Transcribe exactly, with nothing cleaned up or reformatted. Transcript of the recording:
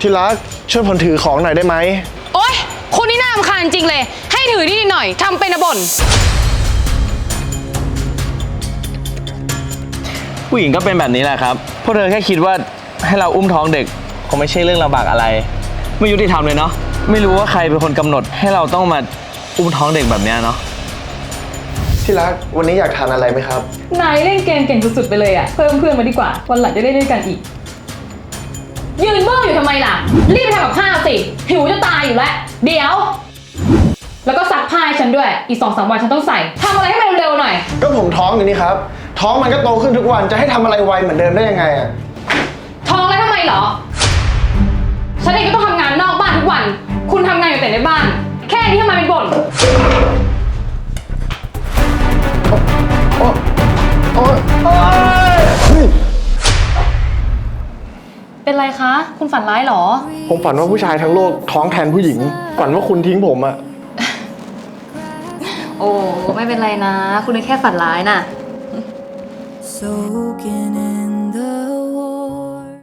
ที่รักช่วยผมถือของหน่อยได้ไหมโอ๊ยคุณนี่น่ารำคาญจริงเลยให้ถือนิดหน่อยทำเป็นบ่นผู้หญิงก็เป็นแบบนี้แหละครับพวกเธอแค่คิดว่าให้เราอุ้มท้องเด็กคงไม่ใช่เรื่องลำบากอะไรไม่ยุติธรรมเลยเนาะไม่รู้ว่าใครเป็นคนกำหนดให้เราต้องมาอุ้มท้องเด็กแบบนี้เนาะที่รักวันนี้อยากทานอะไรไหมครับนายเล่นเกมเก่งสุดๆไปเลยอะเพิ่มเพื่อนมาดีกว่าวันหลังจะได้เล่นด้วยกันอีกยืนเบ้ออยู่ทำไมล่ะรีบไปทำกับข้าวสิหิวจะตายอยู่แล้วเดี๋ยวแล้วก็ซักผ้าให้ฉันด้วยอีกสองสามวันฉันต้องใส่ทำอะไรให้มันเร็วๆหน่อยก็ผมท้องอยู่นี่ครับท้องมันก็โตขึ้นทุกวันจะให้ทำอะไรไวเหมือนเดิมได้ยังไงอะท้องแล้วทำไมเหรอฉันเองก็ต้องทำงานนอกบ้านทุกวันคุณทำงานอยู่แต่ในบ้านแค่นี้ทำไมเป็นบ่นโอ๊ยโอ๊ยเฮ้ยเป็นไรคะคุณฝันร้ายเหรอผมฝันว่าผู้ชายทั้งโลกท้องแทนผู้หญิงฝันว่าคุณทิ้งผมอะโอ้ไม่เป็นไรนะคุณแค่ฝันร้ายน่ะ Soaking in